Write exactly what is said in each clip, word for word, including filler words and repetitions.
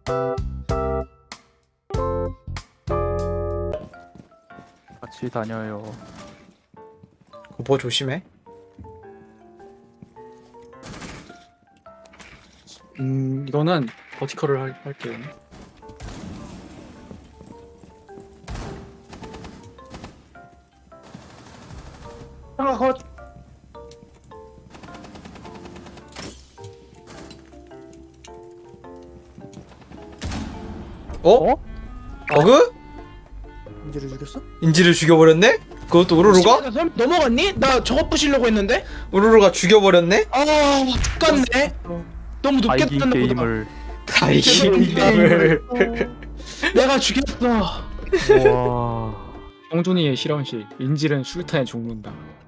같이 다녀요. 뭐 조심해. 음 이거는 버티컬을 할, 할게요. 하나 컷. 어? 어? 버그? 인지를 죽였어? 인지를 죽여버렸네? 그것도 우르르가? 나 설- 넘어갔니? 나 저거 부시려고 했는데? 우르르가 죽여버렸네? 아 죽겠네. 너무 아, 높게 이긴 떴나 보다. 게임을. 다 이긴 게임을. 내가 죽였어. 와. 영준이의 실험실. 인질은 수류탄에 죽는다.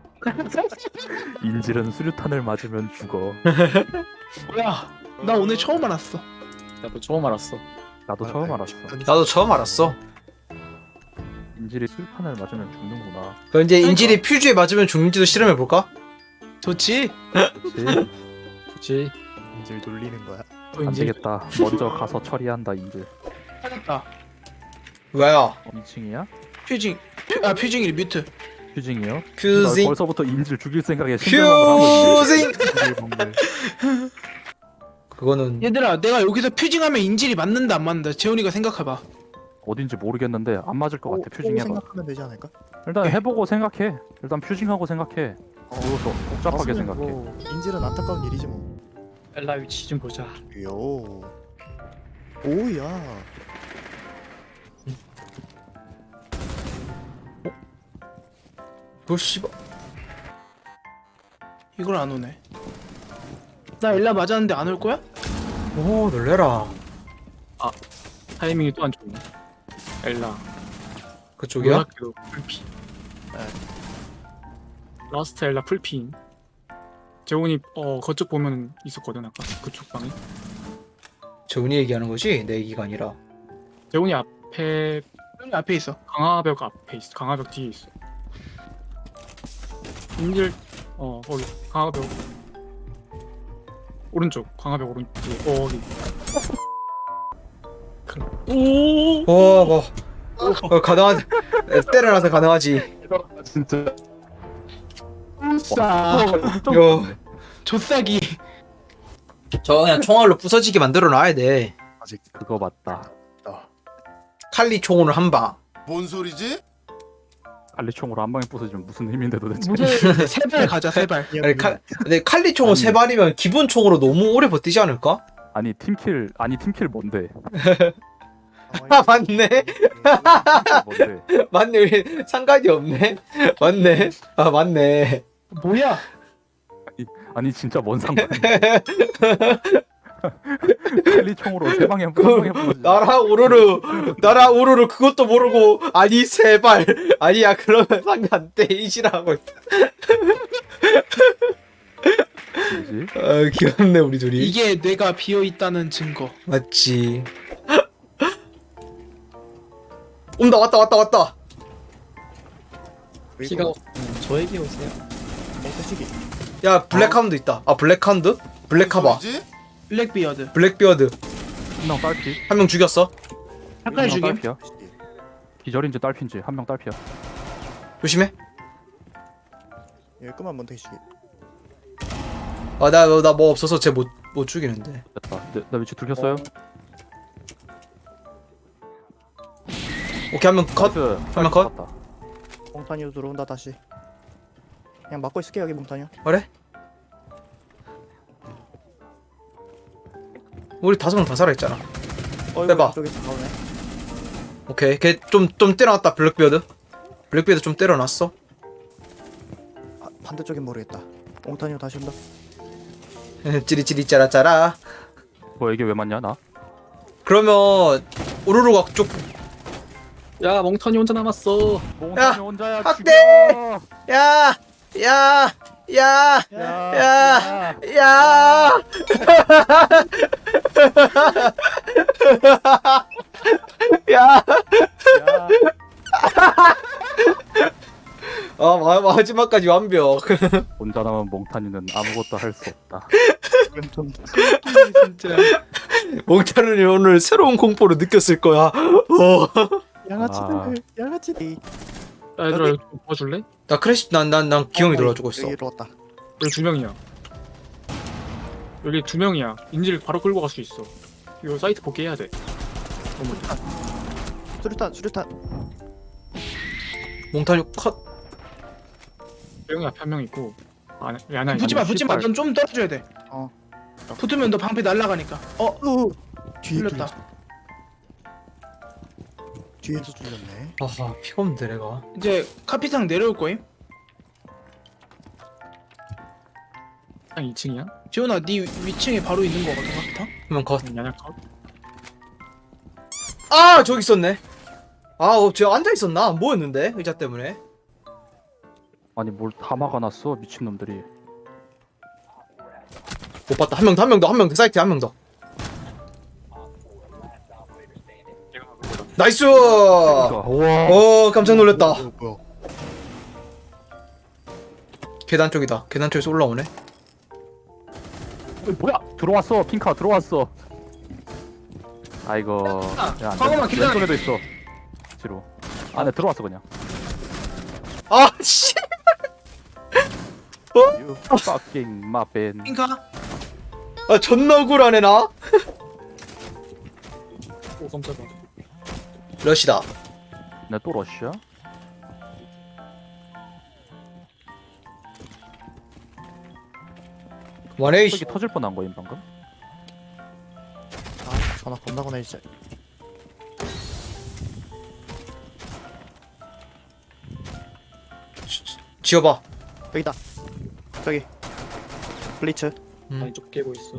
인질은 수류탄을 맞으면 죽어. 뭐야? 나 오늘 처음 알았어. 나도 처음 알았어. 나도 처음 알았어. 나도 처음 알았어. 인질이 수류탄을 맞으면 죽는구나. 그럼 이제 인질이 퓨즈에 맞으면 죽는지도 실험해볼까? 좋지? 그치? 좋지. 인질 돌리는 거야. 또 안 인질. 되겠다. 먼저 가서 처리한다 인질. 찾았다. 왜요? 이 층이야? 퓨징. 퓨, 아 퓨징이 뮤트. 퓨징이요? 나 퓨징. 벌써부터 인질 죽일 생각에 신경을 하고 있네. 퓨징. 인질 먹네. 그거는 얘들아, 내가 여기서 퓨징하면 인질이 맞는다 안 맞는다. 재훈이가 생각해봐. 어딘지 모르겠는데 안 맞을 것 같아. 오, 퓨징 오 해봐. 생각하면 되지 않을까? 일단 해보고 생각해. 일단 퓨징하고 생각해. 그리고 더 복잡하게 맞으면 생각해. 뭐 인질은 안타까운 일이지 뭐. 엘라 위치 좀 보자. 요. 오야. 그 씨발. 이걸 안 오네. 나 엘라 맞았는데 안 올 거야? 오 놀래라. 타이밍이 또 안 좋네. 엘라. 그쪽이야? 놀랍게도 풀피. 라스트 엘라 풀피임. 재훈이 어 거쪽 보면 있었거든 아까 그쪽 방에. 재훈이 얘기하는 거지? 내 얘기가 아니라. 재훈이 앞에 여기 앞에 있어. 강화벽 앞에 있어. 강화벽 뒤에 있어. 인질 어 거기 강화벽 오른쪽 강화벽 오른쪽 뒤에 어 거기. 오. 와 뭐. 어, 가능한. 때려놔서 가능하지. 진짜. 싸. 요. 조싸기. 저 그냥 총알로 부서지게 만들어 놔야 돼. 아직 그거 맞다. 칼리 총으로 한 방. 뭔 소리지? 알리총으로 한 방에 부서지면 무슨 힘인데 도대체. 무슨 세발 가자 세발. 아니, 칼, 근데 칼리 총은 아니. 세 발이면 기본 총으로 너무 오래 버티지 않을까? 아니 팀킬 아니 팀킬 뭔데? 아 맞네. 뭔데? 맞네. 우리 상관이 없네. 맞네. 아 맞네. 뭐야? 아니 진짜 뭔 상관? 칼리총으로 세 방에 한 방에 부서지. 나라 우르르 나라 우르르 그것도 모르고 아니 세 발. 아니야 그러면 상관 데이지라고. 뭐지? 아 귀엽네 우리 둘이. 이게 뇌가 비어 있다는 증거. 맞지. 온다 왔다 왔다 왔다. 피가 저에게 오세요. 엉터시기. 야 블랙하운드 있다. 아 블랙하운드? 블랙카바. 뭔 소리지? 블랙비어드. 블랙비어드. 한 명 딸피. 한 명 죽였어. 잠깐 한 명 죽임. 딸피야. 기절인지 딸피인지 한 명 딸피야. 조심해. 예, 그만 멍터시기. 아나 나 뭐 없어서 쟤 못 못 죽이는데. 됐다. 내, 나 위치 들켰어요? 오케이 한 명 컷. 나이스. 한명 컷. 맞다. 몽타니오 들어온다 다시. 그냥 막고 있을게 여기 몽타니오. 그래? 우리 다섯 명 다 살아있잖아. 어이구, 빼봐. 이쪽에서 나오네. 오케이 걔 좀 좀 때려놨다 블랙비어드. 블랙비어드 좀 때려놨어. 아, 반대쪽엔 모르겠다. 몽타니오 다시 온다. 찌리찌리 짜라짜라. 뭐 이게 왜 맞냐 나? 그러면 우르르가 쪽. 야 멍턴이 혼자 남았어. 몽탄이 혼자야. 학대! 죽여! 야! 야! 야! 야! 야! 야! 야! 야! 아 마, 마지막까지 완벽. 혼자 남은 몽탄이는 아무것도 할 수 없다. 이건 좀 진짜. 몽타르니 오늘 새로운 공포를 느꼈을 거야. 어. 양아치들 양아치들. 야, 얘들아 이거 좀 도와줄래? 나 크래시 난난 난 기형이 어, 돌아주고 있어. 여기로 왔다. 여기 두 명이야. 여기 두 명이야. 인질 바로 끌고 갈 수 있어. 이거 사이트 복귀해야 돼. 너무 수류탄 수류탄. 몽타르니 컷. 명이 앞에 한 명 있고. 아, 왜 하나 붙지 마, 있는데? 붙지 마. 넌 좀 떨어져야 돼. 어. 붙으면 너 방패 날아가니까. 어, 어. 뒤에 풀렸다. 뚫렸어. 뒤에서 뚫렸네. 아하 피가 없는데 내가. 이제 카피상 내려올 거임. 한 이 층이야? 지훈아, 네 위- 위층에 바로 있는 거거든, 카피탕. 그러면 컷. 야냐 컷. 아 저기 있었네. 아, 어, 저 앉아 있었나? 안 보였는데 의자 때문에. 아니 뭘 다 막아놨어 미친놈들이. 못 봤다. 한 명 더, 한 명 더, 한 명 더. 사이트에 한 명 더. 내가 가고 있다. 나이스. 그러니까, 우와. 어 깜짝 놀랐다. 어, 뭐야? 계단 쪽이다. 계단 쪽에서 올라오네. 어이, 뭐야? 들어왔어. 핑카 들어왔어. 아이고. 야, 안 광어만 돼. 기다려. 왼쪽에도 있어. 뒤로. 안에 들어왔어 그냥. 아 씨. You fucking 마벤. 핑카. 아 존나 억울하네 나. 오 깜짝이야. 러시다. 내또 러시아? 원에 저기 터질 뻔한 거임 방금. 아 전화 겁나 거네 진짜. 지어봐. 여기다. 저기. 블리츠. 음. 아니 쪽 깨고 있어.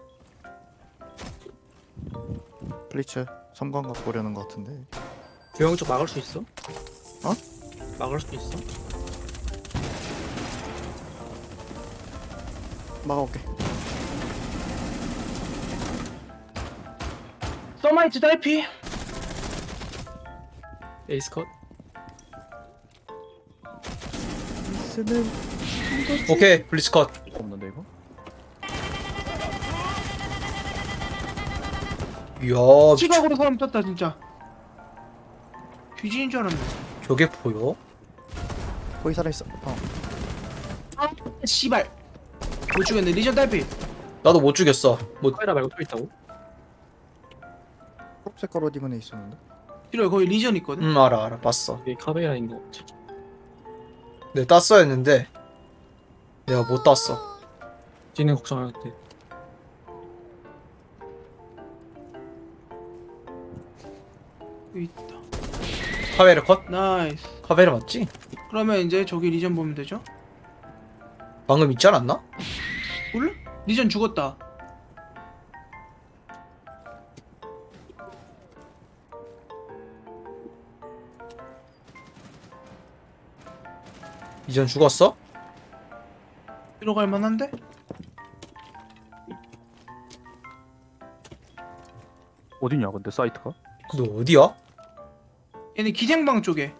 블리츠. 섬광 갖고 오려는 것 같은데. 조용 쪽 막을 수 있어? 어? 막을 수 있어? 막아올게. 서마이트 달피. 에이스 컷. 쓰는. 오케이 블리츠 컷. 없는데 이거? 이야 미쳐. 시각으로 사람 떴다 진짜. 귀신인 줄 알았네. 저게 보여? 거기 살아 있어. 어. 아, 씨발. 못 죽였네. 리전 달피. 나도 못 죽였어. 뭐 카메라 말고 또 있다고? 초록색 옷 입은 애 있었는데. 이래 거기 리전 있거든. 음 알아 알아 봤어. 이게 카메라인 거 같아. 내가 땄어야 했는데 내가 못 땄어. 쟤는 걱정할 때. 여기 있다. 카베르 컷? 나이스. 카베르 맞지? 그러면 이제 저기 리전 보면 되죠? 방금 있지 않았나? 몰라? 리전 죽었다. 이전 죽었어? 들어갈 만한데? 어디냐 근데 사이트가? 너 어디야? 얘네 기생방 쪽에.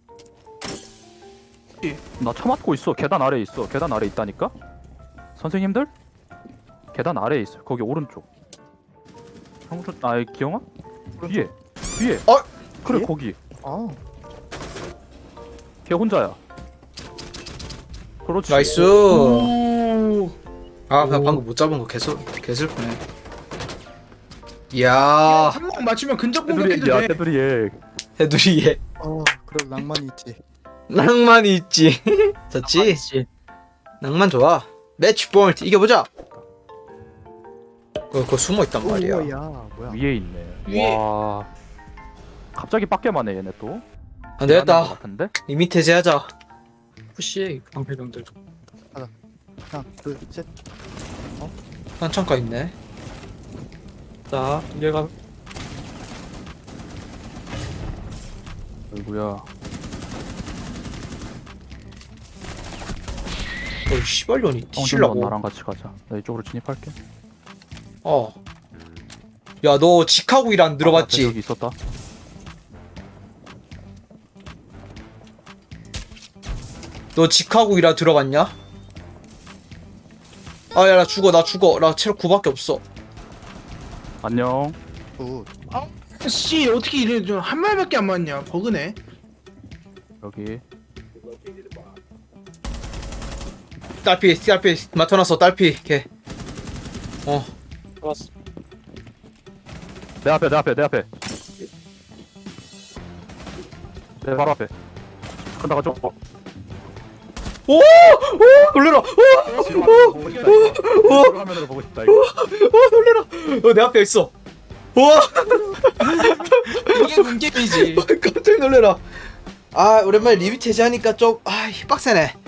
나 처맞고 있어. 계단 아래에 있어. 계단 아래에 있다니까? 선생님들? 계단 아래에 있어. 거기 오른쪽. 형준, 아 기영아? 위에. 위에. 어? 그래 위에? 거기. 아. 걔 혼자야. 그렇지. 나이스. 오. 아 그냥 오. 방금 못 잡은 거 개슬 개슬프네. 야, 이야 한방 맞추면 근접 테두리 공격해도 야 돼. 테두리에. 해두리에 어. 그래도 낭만이 있지. 낭만이 있지. 좋지. 낭만 좋아. 매치 포인트 이겨보자. 어, 그거 숨어 있단 말이야. 오야 뭐야? 위에 있네. 위에. 와. 갑자기 빡게만 해 얘네 또. 안 되겠다. 것 같은데? 이 밑에 제하자. 푸시해 방패병들. 하나, 둘, 셋. 한 창가 있네. 자 얘가 아이구야. 어이 씨발년이 형준아 뒤질라고. 나랑 같이 가자. 나 이쪽으로 진입할게. 어. 야 너 직하고 일 안 아, 들어봤지? 여기 있었다. 너 직하고 일안 들어봤냐? 아 야 나 죽어 나 죽어 나 체력 구밖에 없어. 안녕. 굿. 씨 어떻게 이래 좀 한 발밖에 안 맞냐 버그네. 여기. 딸피 딸피 맞춰놨어 딸피 걔. 어 좋았어. 내 앞에 내 앞에 내 앞에. 내 바로 앞에. 간다 가죠. 어. 오! 오! 놀래라! 오! 보고 싶다 이거. 화면으로 보고 싶다 이거. 오 놀래라! 어, 내 앞에 있어. 우와! 이게 문제이지. 깜짝 놀래라. 아 오랜만에 리뷰 체제하니까 좀 아 빡세네.